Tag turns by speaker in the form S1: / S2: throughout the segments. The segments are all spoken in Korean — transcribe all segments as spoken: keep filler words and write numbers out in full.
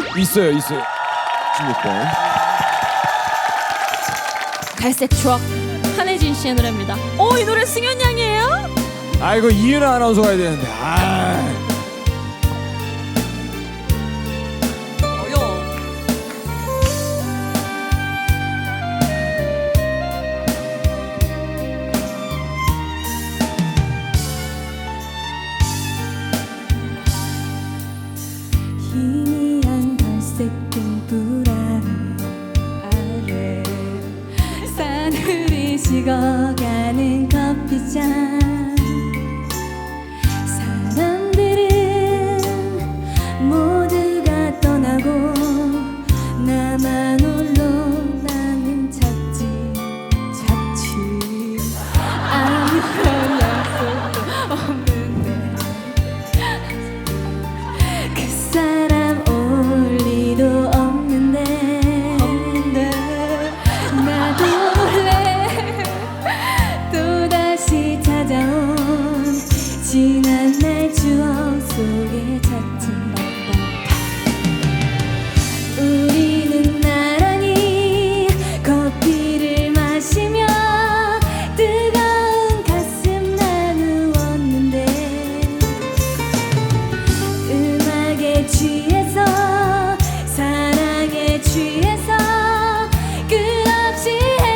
S1: 있어요, 있어요. 십육 번.
S2: 갈색 추억 한혜진 씨의 노래입니다. 오, 이 노래 승현 양이에요?
S1: 아 이거 이은하 아나운서 가야 되는데. 아.
S2: 어려워.
S3: 희미한 갈색 등불 아래 사늘이 식어가는 커피잔 사람들은 모두가 떠나고 나만 홀로 나는 찾지 찾지 아무런 약속도 없는데 그 사람 올 리도 없는데 나도 몰래 또다시 찾아온 지난 날 추억 속에 젖힌 바다 우리는 나란히 커피를 마시며 뜨거운 가슴 나누었는데 음악에 취해서 사랑에 취해서 끝없이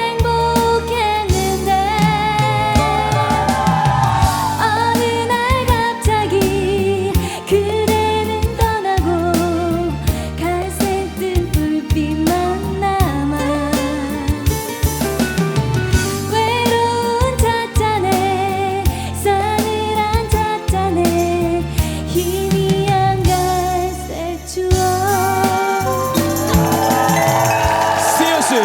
S3: 행복했는데 어느 날 갑자기 그대는 떠나고 갈색 뜬 불빛만 남아 외로운 찻잔에 싸늘한 찻잔에 희미한 갈색 추억
S1: 스테어스.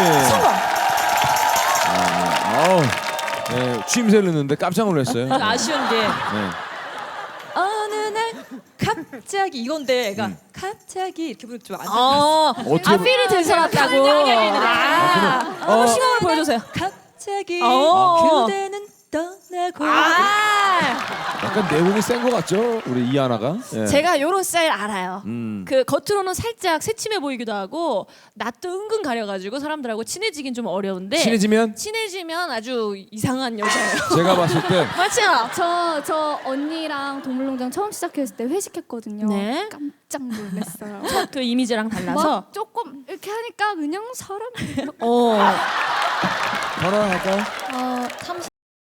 S1: 아우. 네, 취임새를 넣는데 깜짝 놀랐어요.
S2: 아쉬운 게
S1: 네.
S4: 어느 날 갑자기 이건데, 그러니까 갑자기 이렇게 부르면 좀안
S2: 어,
S1: 어떻게
S2: 아, 필이 들썩었다고. 아, 한번 신호를 보여주세요.
S4: 갑자기
S2: 어.
S4: 그대는 떠나고.
S2: 아,
S1: 약간 내공이 센 것 같죠? 우리 이하나가. 예.
S2: 제가 요런 스타일 알아요.
S1: 음.
S2: 그 겉으로는 살짝 새침해 보이기도 하고 낯도 은근 가려가지고 사람들하고 친해지긴 좀 어려운데
S1: 친해지면
S2: 친해지면 아주 이상한 여자예요.
S1: 제가 봤을 때
S2: 맞죠?
S3: 저, 저 언니랑 동물농장 처음 시작했을 때 회식했거든요.
S2: 네.
S3: 깜짝 놀랐어요.
S2: 그 이미지랑 달라서.
S3: 막 조금 이렇게 하니까 그냥 사람
S2: 어.
S1: 전화 할까요?
S3: 어, 삼십